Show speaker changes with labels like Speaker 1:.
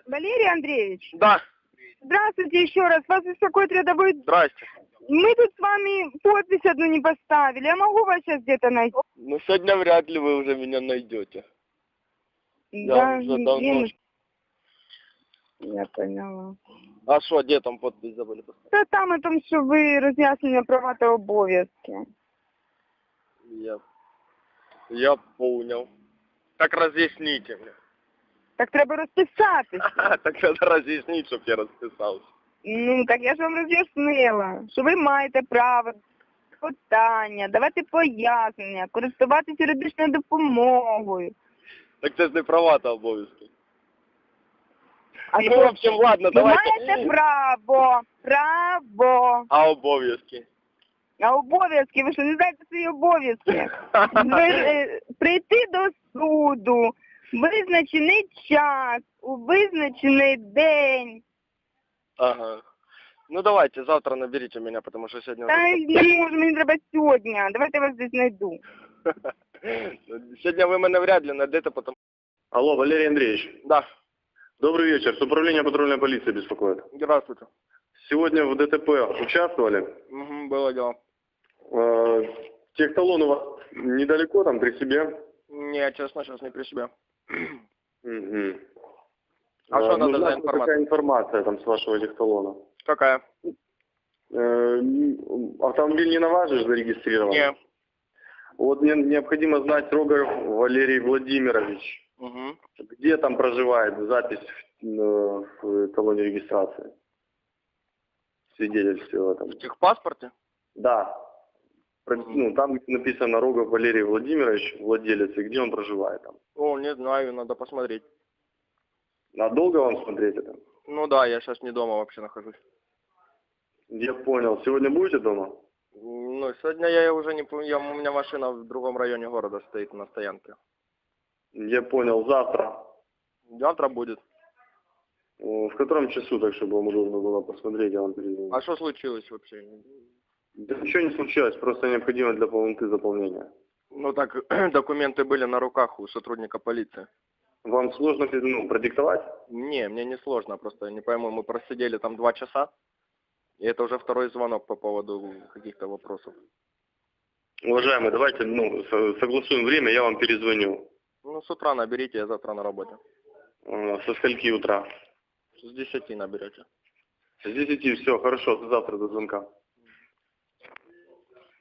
Speaker 1: Валерий Андреевич,
Speaker 2: Да.
Speaker 1: здравствуйте еще раз. Вас беспокоит рядовой...
Speaker 2: Здрасте.
Speaker 1: Мы тут с вами подпись одну не поставили. Я могу вас сейчас где-то найти?
Speaker 2: Ну, сегодня вряд ли вы уже меня найдете.
Speaker 1: Да,
Speaker 2: Я уже давно...
Speaker 1: Я поняла.
Speaker 2: А что, где там подпись забыли поставить?
Speaker 1: Та там о том, що ви роз'яснення права та обов'язки.
Speaker 2: Я понял. Так разъясните мне.
Speaker 1: Так треба розписатися.
Speaker 2: Так надо разъяснить, щоб я розписався.
Speaker 1: Ну, так я ж вам роз'яснила, що ви маєте право питання, давати пояснення, користуватися юридичною допомогою.
Speaker 2: Так це ж не права та обов'язки.
Speaker 1: А
Speaker 2: Ну, в общем, ладно,
Speaker 1: ви
Speaker 2: давайте.
Speaker 1: маєте право.
Speaker 2: А обов'язки?
Speaker 1: А обов'язки, ви що, не знаєте свої обов'язки? Прийти до суду, визначений час, у визначений день.
Speaker 2: Ага. Ну давайте, завтра наберите меня, потому что сегодня...
Speaker 1: Та не можу, мені треба сьогодні. Давайте я вас десь знайду.
Speaker 2: Сегодня вы меня вряд ли найдете, потому...
Speaker 3: Алло, Валерий Андреевич.
Speaker 2: Да.
Speaker 3: Добрый вечер. С управления патрульной полиции беспокоит.
Speaker 2: Здравствуйте.
Speaker 3: Сегодня в ДТП участвовали.
Speaker 2: Угу, было дело.
Speaker 3: Техталон у вас недалеко, там, при себе?
Speaker 2: Не, честно, сейчас не при себе.
Speaker 3: Угу.
Speaker 2: А что надо за
Speaker 3: нужна
Speaker 2: информация?
Speaker 3: какая информация там с вашего техталона?
Speaker 2: Какая?
Speaker 3: Автомобиль не на вас же зарегистрирован?
Speaker 2: Не.
Speaker 3: Вот мне необходимо знать Рогов Валерий Владимирович.
Speaker 2: Угу.
Speaker 3: Где там проживает, запись в талоне регистрации? Свидетельство там.
Speaker 2: В техпаспорте?
Speaker 3: Да. Ну, там написано Рогов Валерий Владимирович, владелец, и где он проживает там.
Speaker 2: О, не знаю, надо посмотреть.
Speaker 3: А долго вам смотреть это?
Speaker 2: Ну да, я сейчас не дома вообще нахожусь.
Speaker 3: Я понял. Сегодня будете дома?
Speaker 2: Ну, сегодня я уже не помню, у меня машина в другом районе города стоит на стоянке.
Speaker 3: Я понял. Завтра?
Speaker 2: Завтра будет.
Speaker 3: В котором часу, так чтобы вам удобно было посмотреть, я вам перезвоню.
Speaker 2: А что случилось вообще?
Speaker 3: Да ничего не случилось, просто необходимо для полноты заполнения.
Speaker 2: Ну так, документы были на руках у сотрудника полиции.
Speaker 3: Вам сложно продиктовать?
Speaker 2: Не, мне не сложно, просто не пойму, мы просидели там 2 часа, и это уже второй звонок по поводу каких-то вопросов.
Speaker 3: Уважаемый, давайте согласуем время, я вам перезвоню.
Speaker 2: Ну, с утра наберите, я завтра на работе.
Speaker 3: Со скольки утра?
Speaker 2: С 10 наберете.
Speaker 3: С 10, все, хорошо, завтра до звонка.